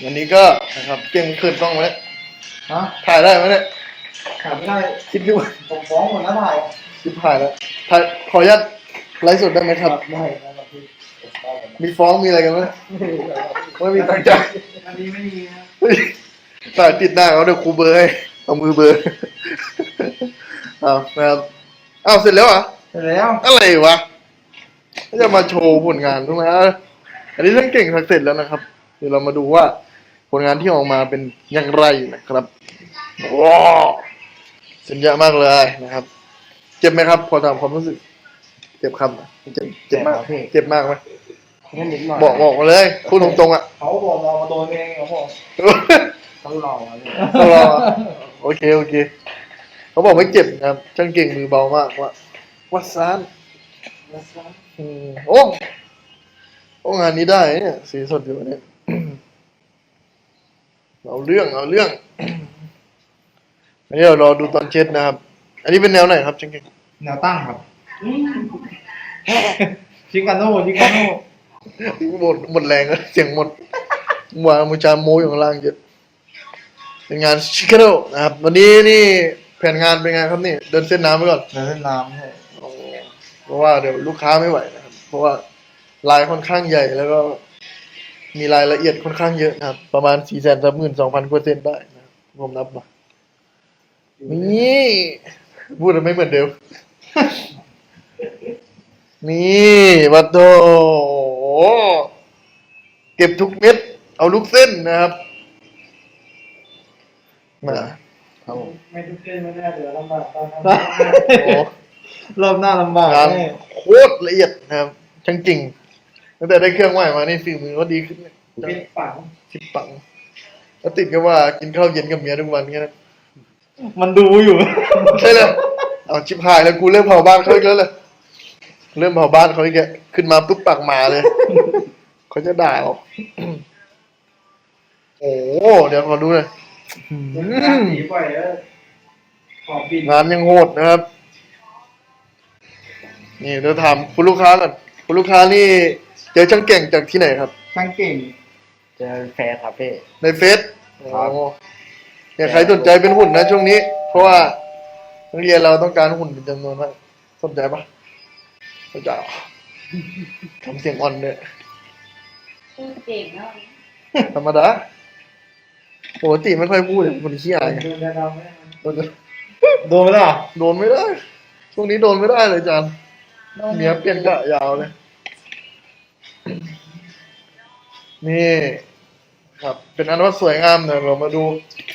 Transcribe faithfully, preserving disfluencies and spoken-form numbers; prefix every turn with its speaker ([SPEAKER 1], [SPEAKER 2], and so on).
[SPEAKER 1] วันนี้ก็นะครับเก่งขึ้นต้องไหม
[SPEAKER 2] ฮะ
[SPEAKER 1] ถ่ายได้ไหมเนี่ย
[SPEAKER 2] ขายไม่ได้
[SPEAKER 1] คิดดู
[SPEAKER 2] ผมฟ้องหมดแล้วถ่าย
[SPEAKER 1] คิดถ่ายแล้วถ่ายขออนุญาตไลฟ์สดได้ไหมครับ
[SPEAKER 2] ได้ครับพี่
[SPEAKER 1] มีฟ้องมีอะไรกันไหมไม่มีตั้งใจ
[SPEAKER 2] อันนี้ไม่มีนะ
[SPEAKER 1] ถ่ายติดหน้าเขาเดี๋ยวครูเบอร์ให้เอามือเบอร์เอานะครับเอาเสร็จแล้วเหรอ
[SPEAKER 2] เสร็จแล้ว
[SPEAKER 1] อะไรวะจะมาโชว์ผลงานใช่ไหมอันนี้ท่านเก่งทักเสร็จแล้วนะครับ เดี๋ยวเรามาดูว่าผลงานที่ออกมาเป็นอย่างไรนะครับว้าวเส้นเยอะมากเลยนะครับ เจ็บไหมครับ พอตามความรู้สึก เจ็บครับเจ็บเจ็บมากเจ็บมากไหม
[SPEAKER 2] แค่นิดหน่อย
[SPEAKER 1] บอกบอกมาเลยพูดตรงๆอ่ะ
[SPEAKER 2] เขาบอกมองมาโดนเองครับผมต้องรอเลย
[SPEAKER 1] ต้องรอโอเคโอเคเขาบอกไม่เจ็บนะครับช่างเก่งมือเบามากว่าวัดซานอืมโอ้โอ้งานนี้ได้เนี่ยสีสดอยู่เนี่ย เอาเรื่องเอาเรื่อง อันนี้เรารอดูตอนเช็ดนะครับ อันนี้เป็นแนวไหนครับช่างเก่ง
[SPEAKER 2] แนวตั้งครับชิคาโน่ชิคาโน่
[SPEAKER 1] หมดหมดแรงแล้วเสียงหมดหวานมูจาโมอยู่ข้างล่างเยอะเป็นงานชิคาโน่นะครับวันนี้นี่แผนงานเป็นไงครับนี่เดินเส้นน้ำไปก่อน
[SPEAKER 2] เดินน้ำให้
[SPEAKER 1] เพราะว่าเดี๋ยวลูกค้าไม่ไหวนะครับ เพราะว่าลายค่อนข้างใหญ่แล้วก็มีรายละเอียดค่อนข้างเยอะนะครับ ประมาณสี่แสนสามหมื่นสองพันกว่าเส้นได้นะครับผมนับมานี่พูดแล้วไม่เหมือนเดิม นี่วัดโตเก็บทุกเม็ด เอาลูกเส้นนะครับมาครับผม
[SPEAKER 2] ไม่ทุกเส้นไม่ได้เดี๋ยวลำบากตอนนั้น
[SPEAKER 1] โอ้
[SPEAKER 2] รอบหน้าลำบาก
[SPEAKER 1] งาน
[SPEAKER 2] แน่
[SPEAKER 1] โคตรละเอียดนะครับช่างจริงตั้งแต่ได้เครื่องใหม่มานี่ฝีมือก็ดีขึ้นเนี่ย
[SPEAKER 2] เป็นฝัง
[SPEAKER 1] สิบปังแล้วติดก็ว่ากินข้าวเย็นกับเมียทุกวันแค่นั้น
[SPEAKER 2] มันดูอยู่
[SPEAKER 1] ใช่เลยเอาชิบหายแล้วกูเริ่มเผาบ้านเขาอีกแล้วเลยเริ่มเผาบ้านเขาอีกแล้วขึ้นมาปุ๊บปากหมาเลย เขาจะด่าเราโอ้เดี๋ยวขอดูหน่อย
[SPEAKER 2] หนีบ่อยแล้วขอบิน
[SPEAKER 1] งานยังโหดนะครับ นี่เดี๋ยวถามคุณลูกค้าก่อนคุณลูกค้านี่เจอช่างเก่งจากที่ไหนครับ
[SPEAKER 2] ช่างเก่งเจอแฟร์ครับพี่
[SPEAKER 1] ในเฟซ
[SPEAKER 2] ครับ
[SPEAKER 1] โอ้เนี่ยใครสนใจเป็นหุ่นนะช่วงนี้ เพราะว่านักเรียนเราต้องการหุ่นเป็นจำนวนมากสนใจปะสนใจเหรอทำเสียงอ่อนเนี่ย
[SPEAKER 3] พูดเก่งเนาะ
[SPEAKER 1] ธรรมดาปกติไม่ค่อยพูดเลยคนขี้อายไง
[SPEAKER 2] โดนเราไหม
[SPEAKER 1] โดน
[SPEAKER 2] โดนไหมล่ะ
[SPEAKER 1] โดนไม่ได้ ช่วงนี้โดนไม่ได้เลยจานเมียเปลี่ยนกะยาวเลย นี่ ครับ เป็นอันว่าสวยงามเนี่ยเรามาดู